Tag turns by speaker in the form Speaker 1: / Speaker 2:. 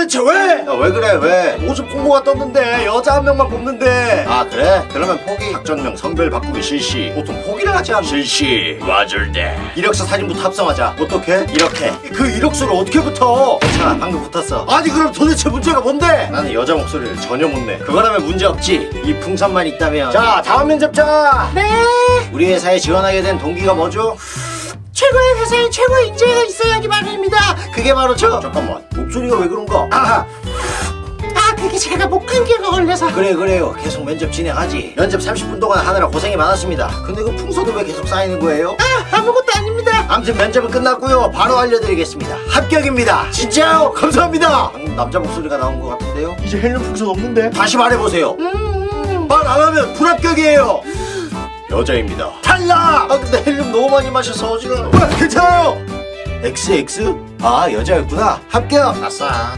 Speaker 1: 도대체 왜?
Speaker 2: 야, 왜 그래 왜?
Speaker 1: 모집 공고가 떴는데 여자 한 명만 뽑는데.
Speaker 2: 아 그래? 그러면 포기. 작전명 성별 바꾸기 실시.
Speaker 1: 보통 포기를 하지 않나?
Speaker 2: 실시. 맞을 때 이력서 사진부터 합성하자.
Speaker 1: 어떻게?
Speaker 2: 이렇게.
Speaker 1: 그 이력서를 어떻게 붙어?
Speaker 2: 괜찮아 방금 붙었어.
Speaker 1: 아니 그럼 도대체 문제가 뭔데?
Speaker 2: 나는 여자 목소리를 전혀 못 내. 그거라면 문제 없지. 이 풍선만 있다면.
Speaker 1: 자 다음 면접자.
Speaker 2: 네. 우리 회사에 지원하게 된 동기가 뭐죠?
Speaker 1: 최고의 회사에 최고의 인재가 있어야지 말입니다.
Speaker 2: 그게 바로 잠깐만 목소리가 왜 그런가?
Speaker 1: 아 그게 제가 목 감기가 걸려서.
Speaker 2: 그래요 계속 면접 진행하지. 면접 30분 동안 하느라 고생이 많았습니다. 근데 그 풍선은 왜 계속 쌓이는 거예요?
Speaker 1: 아무것도 아닙니다.
Speaker 2: 아무튼 면접은 끝났고요. 바로 알려드리겠습니다. 합격입니다.
Speaker 1: 진짜요? 감사합니다.
Speaker 2: 방금 남자 목소리가 나온 것 같은데요?
Speaker 1: 이제 헬륨 풍선 없는데?
Speaker 2: 다시 말해보세요.
Speaker 1: 말 안 하면 불합격이에요.
Speaker 2: 여자입니다.
Speaker 1: 탈락.
Speaker 2: 아 근데 헬륨 너무 많이 마셔서 어지러워.
Speaker 1: 괜찮아요.
Speaker 2: XX? 아 여자였구나. 합격. 아싸.